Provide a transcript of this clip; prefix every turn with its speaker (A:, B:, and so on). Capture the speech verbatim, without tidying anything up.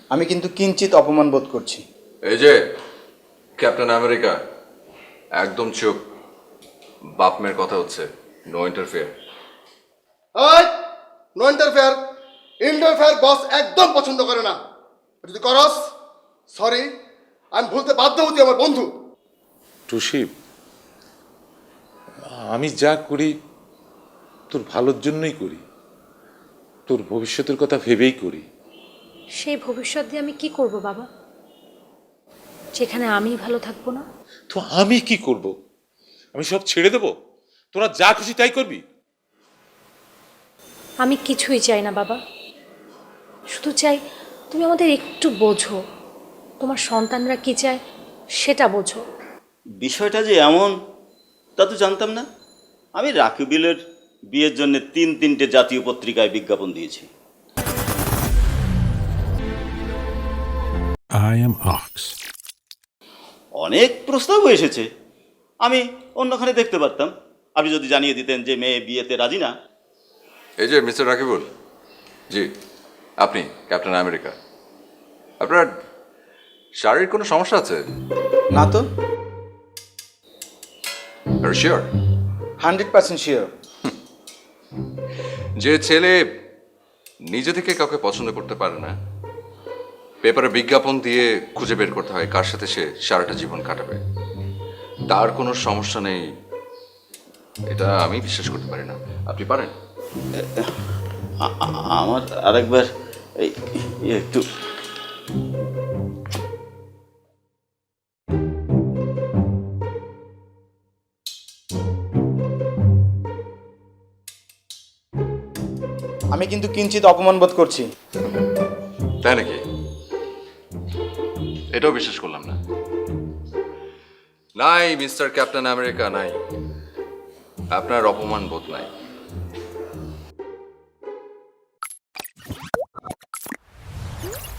A: আমি কিন্তু কিঞ্চিত অপমান বোধ করছি।
B: এই যে ক্যাপ্টেন আমেরিকা, একদম চুপ। বাপ মেয়ের কথা হচ্ছে, নো ইন্টারফেয়ার।
C: এই নো ইন্টারফেয়ার। ইন্টারফেয়ার বস একদম পছন্দ করে না। যদি করস, সরি, আমি ভুলতে বাধ্য হচ্ছি আমার বন্ধু।
D: টুসি, আমি যা করি তোর ভালোর জন্যই করি, তোর ভবিষ্যতের কথা ভেবেই করি।
E: সেই ভবিষ্যৎ দিয়ে আমি কি করব বাবা, যেখানে আমি ভালো থাকবো না?
D: তো আমি কি করব? আমি সব ছেড়ে দেব? তোরা যা খুশি তাই করবি?
E: আমি কিছুই চাই না বাবা, শুধু চাই তুমি আমাদের একটু বোঝো, তোমার সন্তানরা কি চায় সেটা বোঝো।
F: বিষয়টা যে এমন তা তো জানতাম না। আমি রাকিবুলের বিয়ের জন্য তিন তিনটে জাতীয় পত্রিকায় বিজ্ঞাপন দিয়েছি।
G: I am Ox.
F: অনেক প্রস্তাবও এসেছে, আমি অন্যখানে দেখতে পারতাম। আপনি যদি জানিয়ে দিতেন যে মেয়ে বিয়েতে রাজি না।
B: এই যে মিস্টার রাকিবুল, জি আপনি ক্যাপ্টেন আমেরিকা, আপনার শারীরিক কোনো সমস্যা আছে?
A: না তো,
B: শিওর?
A: Hundred percent sure.
B: যে ছেলে নিজে থেকে কাউকে পছন্দ করতে পারে না, পেপারে বিজ্ঞাপন দিয়ে খুঁজে বের করতে হয় কার সাথে সে সারাটা জীবন কাটাবে, তার কোনো সমস্যা নেই, এটা আমি বিশ্বাস করতে পারি না। আপনি পারেন?
F: আ- আ- আমার আরেকবার এই একটু
A: আমি কিন্তু কিঞ্চিত অপমান বোধ করছি।
B: তাই নাকি? এটাও বিশ্বাস করলাম না। নাই মিস্টার ক্যাপ্টেন আমেরিকা, নাই, আপনার অপমান বোধ নাই।